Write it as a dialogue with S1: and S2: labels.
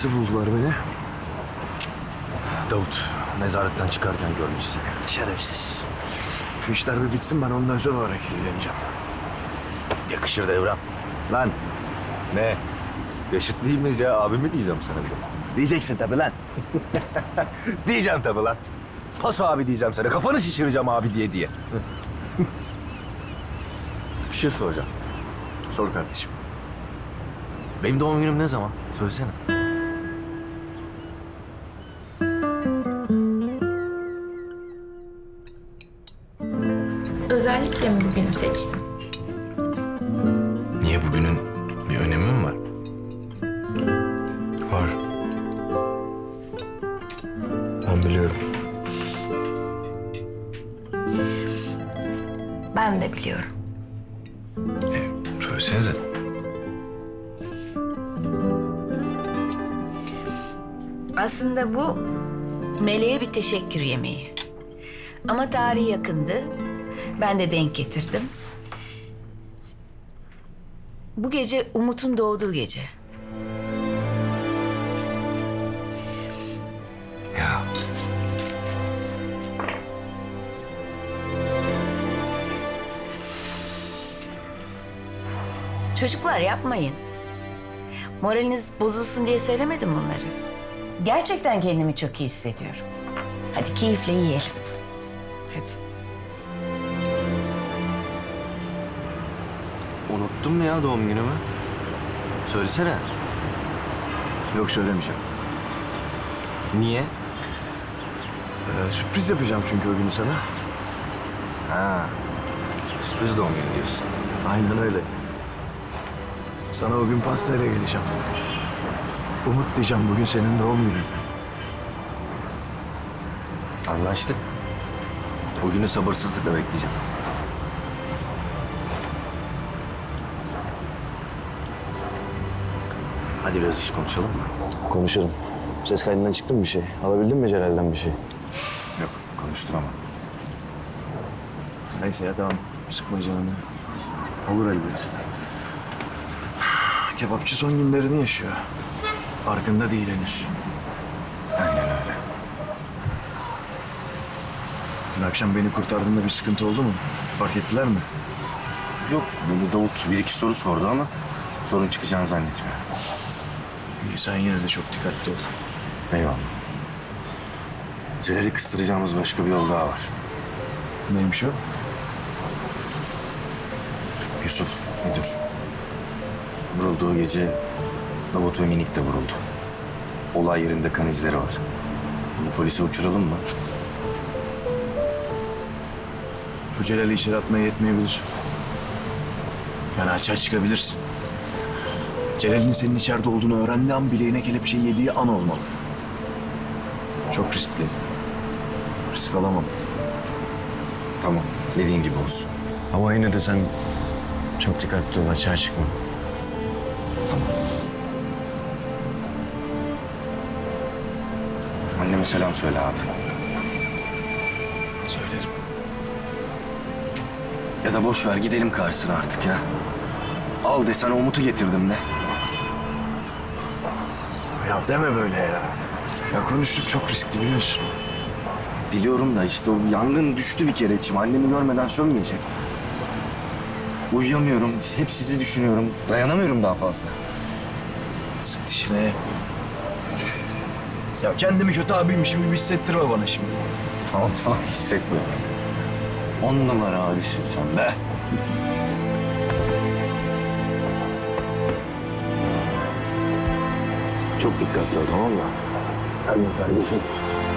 S1: Nasıl buldular beni?
S2: Davut nezaretten çıkarken görmüş seni.
S1: Şerefsiz. Şu işler bir bitsin, ben ondan özel olarak ilgileneceğim.
S2: Yakışır Devrem. Lan ne? Yaşıt değil miyiz ya? Abi mi diyeceğim sana bir de?
S1: Diyeceksin tabii lan.
S2: Diyeceğim tabii lan. Paso abi diyeceğim sana. Kafanı şişireceğim abi diye. Bir şey soracağım.
S1: Sor kardeşim.
S2: Benim doğum günüm ne zaman? Söylesene.
S3: Özellikle mi bugünü seçtin?
S4: Niye, bugünün bir önemi mi var? Var.
S1: Ben biliyorum.
S3: Ben de biliyorum.
S4: Söylesenize.
S5: Aslında bu Meleğe bir teşekkür yemeği. Ama tarihi yakındı. Ben de denk getirdim. Bu gece Umut'un doğduğu gece.
S4: Ya
S5: Çocuklar yapmayın. Moraliniz bozulsun diye söylemedim bunları. Gerçekten kendimi çok iyi hissediyorum. Hadi keyifle yiyelim. Hadi.
S2: Unuttun mu ya doğum günümü? Söylesene.
S1: Yok, söylemeyeceğim.
S2: Niye?
S1: Sürpriz yapacağım çünkü o günü sana.
S2: Ha. Sürpriz doğum günü diyorsun.
S1: Aynen öyle. Sana o gün pastayla geleceğim. Umut diyeceğim, bugün senin doğum günün.
S2: Anlaştık. O günü sabırsızlıkla bekleyeceğim. Hadi biraz iş konuşalım mı?
S1: Konuşalım. Ses kaydından çıktı mı bir şey? Alabildin mi Celal'den bir şey?
S2: Yok, konuşturamam.
S1: Neyse ya, tamam. Sıkma canını. Olur elbet. Kebapçı son günlerini yaşıyor. Farkında değil henüz.
S2: Aynen öyle.
S1: Dün akşam beni kurtardığında bir sıkıntı oldu mu? Fark ettiler mi?
S2: Yok, bunu Davut bir iki soru sordu ama sorun çıkacağını zannetmiyorum.
S1: İyi, sen yine de çok dikkatli ol.
S2: Eyvallah. Celal'i kıstıracağımız başka bir yol daha var.
S1: Neymiş o?
S2: Yusuf, müdür. Vurulduğu gece Davut ve Minik de vuruldu. Olay yerinde kan izleri var. Bunu polise uçuralım mı?
S1: Bu Celal'i içeri atmaya yetmeyebilir. Yani açığa çıkabilirsin. Celal'in senin içeride olduğunu öğrendiği an bileğine kelepçe yediği an olmalı. Çok riskli. Risk alamam.
S2: Tamam, dediğin gibi olsun.
S1: Ama yine de sen çok dikkatli ol, açığa çıkma.
S2: Anneme selam söyle abi.
S1: Söylerim.
S2: Ya da boş ver gidelim karşısına artık ya. Al desene Umut'u getirdim de.
S1: Ya deme böyle ya. Ya konuştuk, çok riskli biliyorsun.
S2: Biliyorum da işte o yangın düştü bir kere içime. Annemi görmeden sönmeyecek. Uyuyamıyorum. Hep sizi düşünüyorum. Dayanamıyorum daha fazla.
S1: Sık dişine. Ya kendimi kötü abiymişim gibi hissettirme bana şimdi.
S2: Tamam tamam hissetmiyorum. 10 numara abisin sen be. Çok dikkatli ol tamam mı? Sen de kardeşim.